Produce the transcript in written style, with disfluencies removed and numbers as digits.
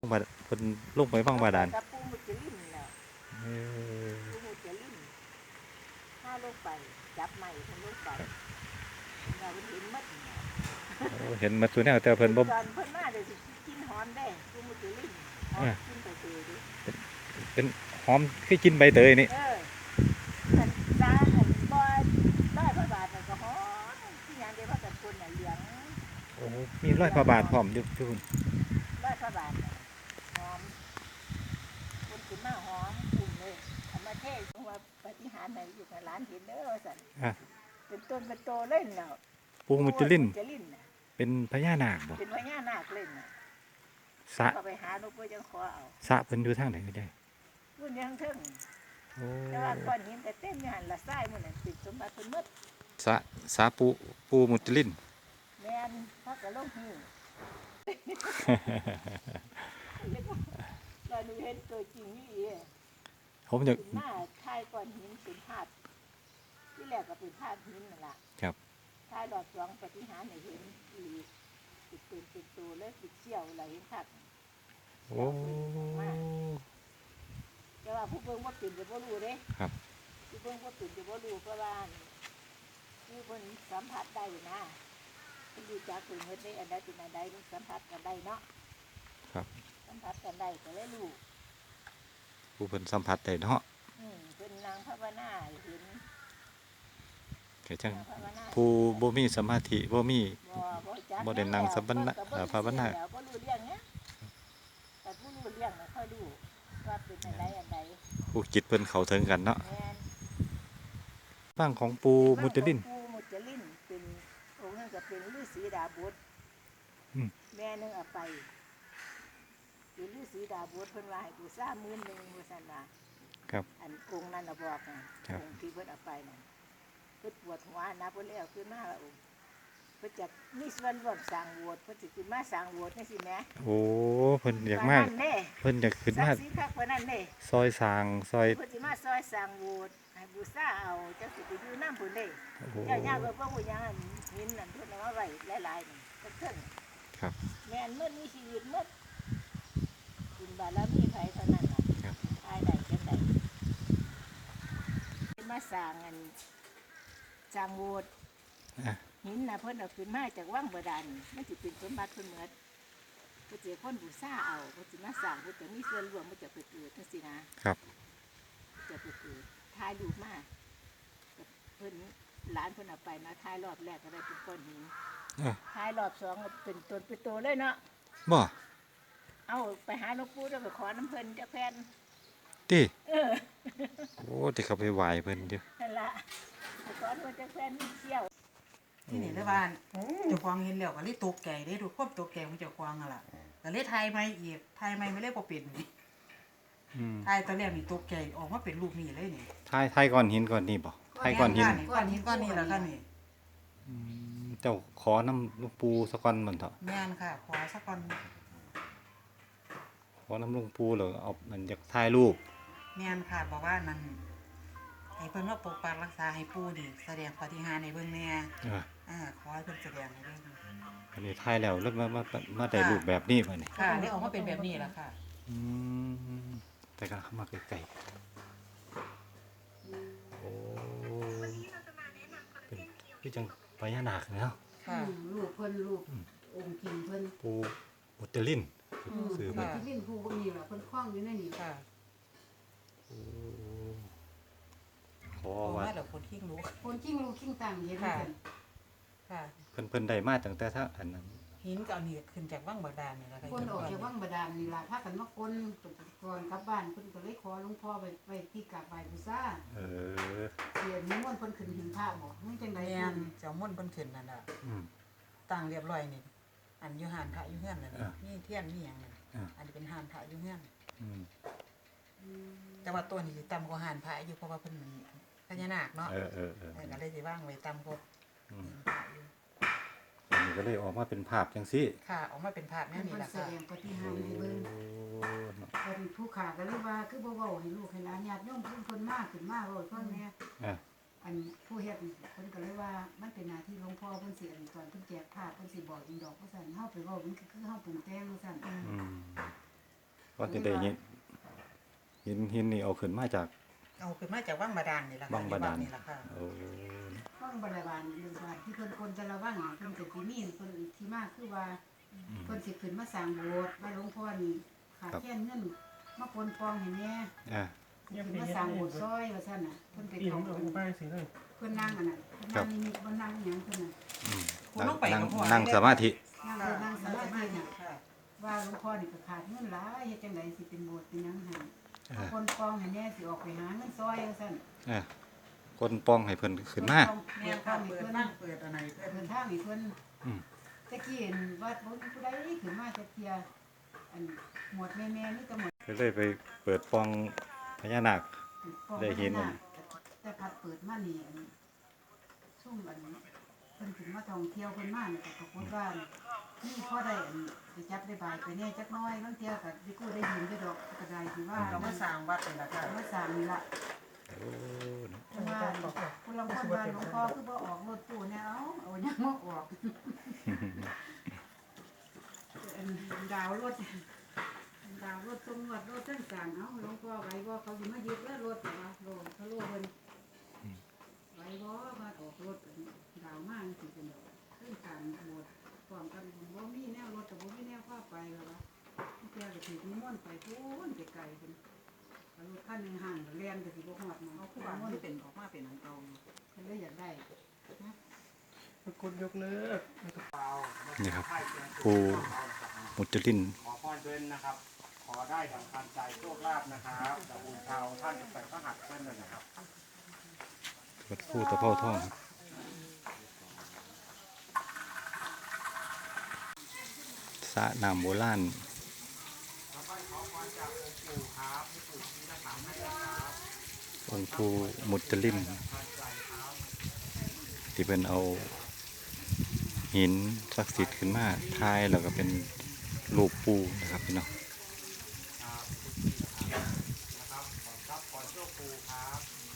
ลงบาเพิ่นลงไปฟังบาดาลกับปูมุจลินแหละเออปูมุจลินถ้าลงไปจับใหม่คนลงไปเราเห็นมัดเนี่ยโอ้เห็นหมดซุแนวแต่เพิ่นบ่ตอนเพิ่นมาเดี๋ยวสิกินหอมได้ปูมุจลินหอมกินไปเตยดิเป็นหอมคือกินใบเตยนี่ขันตาขันบอยร้อยพระบาทน่ะก็หอมที่งานเดียวกันคนน่ะเหลืองโอ้มีร้อยพระบาทพร้อมอยู่ทุกคนร้อยพระบาทน่ะหอมคนขึ้นมาหอมกลุ่มเลยธรรมเทศว่าปฏิหารย์ไหนอยู่กับร้านเห็นเด้อสั่นเป็นต้นเป็นโตเล่นแล้วปูมุจลินน่ะเป็นพญานาคบ่เป็นพญานาคเล่นน่ะสระก็ไปหาหลวงปู่จังขอเอาสระเพิ่นอยู่ทางไหนก็ได้พุ่นยังเทิงโอ้แต่ว่าก้อนหินแต่เต็มอยู่หั่นละทรายมื้อนั้นติดสมบัติเพิ่นหมดสระปูมุจลินแม่นเขาก็ลงหิ้วเราดูเห็นตัวจริงนี่เองผมจะหน้าทายก้อนหินเป็นภาพที่แรกก็เป็นภาพหินนั่นล่ะครับทายรอบสองปฏิหารย์ให้เห็นอีเป็นตัวเลยติดเชี่ยวอะไรเห็นคักโอ้แต่ว่าผู้เบิ่งบ่เป็นจะบ่รู้เด้ครับผู้เบิ่งบ่เป็นจะบ่รู้เพราะว่าคือเพิ่นสัมผัสได้นะเพิ่นรู้จักเพิ่นเฮ็ดได้อันใดเป็นอันใดเพิ่นสัมผัสกันได้เนาะครับสัมผัสกันได้ก็เลยรู้ผู้เพิ่นสัมผัสได้เนาะเพิ่นนั่งภาวนาเห็นก็จังผู้บ่มีสมาธิบ่มีบ่ได้นั่งสัมปันภาวนาบ่รู้เรื่องเนี้ยแต่ผู้รู้เรื่องน่ะค่อยรู้ว่าเป็นอันใดอันใดผู้จิตเพิ่นเข้าถึงกันเนาะแม่นฟังของปูมุจลินปูมุจลินเป็นองค์นั้นก็เป็นฤาษีดาบทแม่นึงเอาไปเป็นฤาษีดาบทเพิ่นว่าให้กูซ่า11,000ว่าซั่นน่ะครับอันองค์นั้นน่ะบอกน่ะองค์ที่เพิ่นเอาไปน่ะเพิ่นปวดหัวนะเพิ่นเลยเอาขึ้นมาว่าองค์เพิ่นจะมีส่วนร่วมสร้างโบสถ์เพิ่นสิขึ้นมาสร้างโบสถ์จังซี่แหมโอ้เพิ่นอยากมาเพิ่นอยากขึ้นมาสิคักเพิ่นนั่นเด้ซอยสร้างซอยเพิ่นสิมาซอยสร้างโบสถ์ให้บูชาเอาจังสิไปอยู่นำเพิ่นเด้ย่าๆเพิ่นบ่ฮู้หยังหินนั่นเพิ่นเอามาไว้หลายๆนี่เพิ่นครับแม่นมื้อมีชีวิตหมดบุญบารมีไผเท่านั้นล่ะทายได้จังได๋มาสร้างอันสร้างโบสถ์หินน่ะเพิ่นเอาขึ้นมาจากวังบาดาลมันสิเป็นสมบัติเพิ่นหมดเพิ่นสิคนบูชาเอาเพิ่นสิมาสร้างเพิ่นจะมีส่วนร่วมมันจะไปเกิดจังซี่นะครับจะไปเกิดถ่ายรูปมาเพิ่นหลานเพิ่นเอาไปมาถ่ายรอบแรกก็ได้เป็นก้อนหินถ่ายรอบสองเป็นต้นเป็นโตเลยเนาะบ่เอาไปหาหลวงปู่แล้วไปขอน้ำเพิ่นจักแผ่นติโอ้ที่เขาไปไหว้เพิ่นอยู่นั่นล่ะไปขอเพิ่นจักแผ่นเที่ยวที่นี่ละบ้านเจ้าของเห็นแล้วก็เลยตกใจเด้ทุกคนตกใจของเจ้าของนั่นล่ะก็เลยถ่ายใหม่อีกถ่ายใหม่ไม่เลยบ่เป็นนี่ถ่ายตอนแรกนี่ตกใจออกมาเป็นรูปนี้เลยนี่ถ่ายก้อนหินก้อนนี้บ่ถ่ายก้อนหินก้อนหินก้อนนี้ล่ะค่ะนี่เจ้าขอน้ำหลวงปู่สักก้อนมันเถอะแม่นค่ะขอสักก้อนขอน้ำหลวงปู่แล้วเอามันอยากถ่ายรูปแม่นค่ะบอกว่านั่นให้เพิ่นมาปกปักรักษาให้ปู่นี่แสดงปาฏิหาริย์ให้เบิ่งแน่ขอให้เพิ่นแสดงให้เบิ่งอันนี้ถ่ายแล้วมาได้รูปแบบนี้บัดนี้ค่ะได้ออกมาเป็นแบบนี้ล่ะค่ะแต่ก็เข้ามาใกล้ๆโอ้เป็นคือจังพญานาคเนาะลูกเพิ่นลูกองค์จริงเพิ่นปูมุจลินซื้อเพิ่นมุจลินผู้นี่ล่ะเพิ่นคล้องอยู่ในนี่ค่ะขอว่าเดี๋ยวคนทิ้งรู้คนจริงลูกคิงต่างเห็นกันค่ะเพิ่นได้มาตั้งแต่ถ้าอันนั้นหินก็เอานี่ขึ้นจากวังบาดาลนี่ล่ะค่ะคนออกจากวังบาดาลนี่ล่ะพากันมาคนก่อนกลับบ้านเพิ่นก็เลยขอหลวงพ่อไปที่กราบไหว้บูชาเสียนิมนต์เพิ่นขึ้นหิ้งพระบ่มันจังได๋เจ้ามนต์เพิ่นขึ้นนั่นน่ะตั้งเรียบร้อยนี่อันอยู่หานพระอยู่เฮือนนั่นนี่เทียนนี่หยังนั่นอันนี้เป็นหานพระอยู่เฮือนแต่ว่าตัวนี้สิต่ำกว่าหานพระอยู่เพราะว่าเพิ่นพญานาคเนาะก็เลยสิวางไว้ต่ำกว่านี่ก็เลยออกมาเป็นภาพจังซี่ค่ะออกมาเป็นภาพแนวนี้ล่ะค่ะแสดงปฏิหาริย์ให้เบิ่งเพิ่นผู้ขาก็เลยว่าคือบ่เว้าให้ลูกให้หลานญาติโยมเพิ่นมาขึ้นมาเว้าฟังแม่อันผู้เฮ็ดเพิ่นก็เลยว่ามันเป็นหน้าที่หลวงพ่อเพิ่นสิอันตอนเพิ่นแจกภาพเพิ่นสิบอกอีดอกว่าซั่นเฮาไปเว้ามันคือเฮาปรุงแต่งว่าซั่นก็จะได้หินนี่เอาขึ้นมาจากเอาขึ้นมาจากวังบาดาลนี่ล่ะค่ะวังบาดาลนี่ล่ะค่ะโอ้ว่างบริวารหรือว่าที่เพิ่นคนแต่ละว่างเพิ่นก็สิมีเพิ่นที่มากคือว่าเพิ่นสิขึ้นมาสร้างโบสถ์ว่าหลวงพ่อนี่ขาดแคลนเงินมาปนปองให้แม่อ่ะขึ้นมาสร้างโบสถ์ซอยว่าซั่นน่ะเพิ่นไปเข้าเพิ่นนั่งอันน่ะเพิ่นนั่งนิมิตบ่นั่งหยังเพิ่นน่ะคุณต้องไปกับพ่อนั่งสมาธินั่งสมาธิน่ะค่ะว่าหลวงพ่อนี่ก็ขาดเงินหลายเฮ็ดจังไดสิเป็นโบสถ์เป็นหยังให้อ่าคนปองให้แน่สิออกไปหาเงินซอยว่าซั่นอ่ะคนป้องให้เพิ่นขึ้นมาแม่ค่ะเปิดนั่งเปิดอะไรเปิดเดินทางให้เพิ่นอืมตะกี้เห็นวัดบ่มีผู้ใดขึ้นมาจักเที่ยอันหมวดแม่ๆนี่แต่หมวดก็เลยไปเปิดป้องพญานาคปองได้เห็นพญาาคแต่พัดเปิดมานี่อันซุ่มอันเพิ่นขึ้นมาท่องเที่ยวเพิ่นมานี่ก็ปรากฏว่านี่พอได้อันได้จับได้บายไปแน่จักหน้อยบางเที่ยก็สิกู้ได้ยินได้ดอกก็ได้ที่ว่าเรามาสร้างวัดนี่ล่ะค่ะมาสร้างนี่ล่ะโอ้เนาะเพิ่นว่าผู้ลางคนว่าหลวงพ่อคือบ่ออกรถตู้แนวเอาหยังมาออกอันดาวรถตำรวจรถต่างๆเอาหลวงพ่อไว้บ่เขาสิมายึดแล้วรถแต่ว่าโลเขาโลเพิ่นไว้บ่มาออกรถดาวมากสิเป็นเรื่องการโบสถ์พร้อมกันบ่มีแนวรถก็บ่มีแนวพาไปแล้วว่าเที่ยก็สินิมนต์ไปพูนไกลๆเพิ่นรถคันหนึงห่างก็แล่นก็สิบ่ฮอดมาเอาเอาผู้ผู้บ้าบ้าน นที่เป็นออกมาเป็นอันเก่าเพิ่นเลยอยากได้นะกดยกเลิกนี่ครับปูมุจลินขอพรเพิ่นนะครับ ขอได้ดังคันใจโชคลาภนะครับจากบุญชาวท่านจะใส่พระหัตถ์เพิ่นเลยนะครับวัดภูตะเภาทองครับสระน้ำโบราณองค์ปู่มุจลินที่เป็นเอาหินศักดิ์สิทธิ์ขึ้นมาทายแล้วก็เป็นรูปปูนะครับพี่น้องนะครับขอทรัพย์ขอโชคปูครับ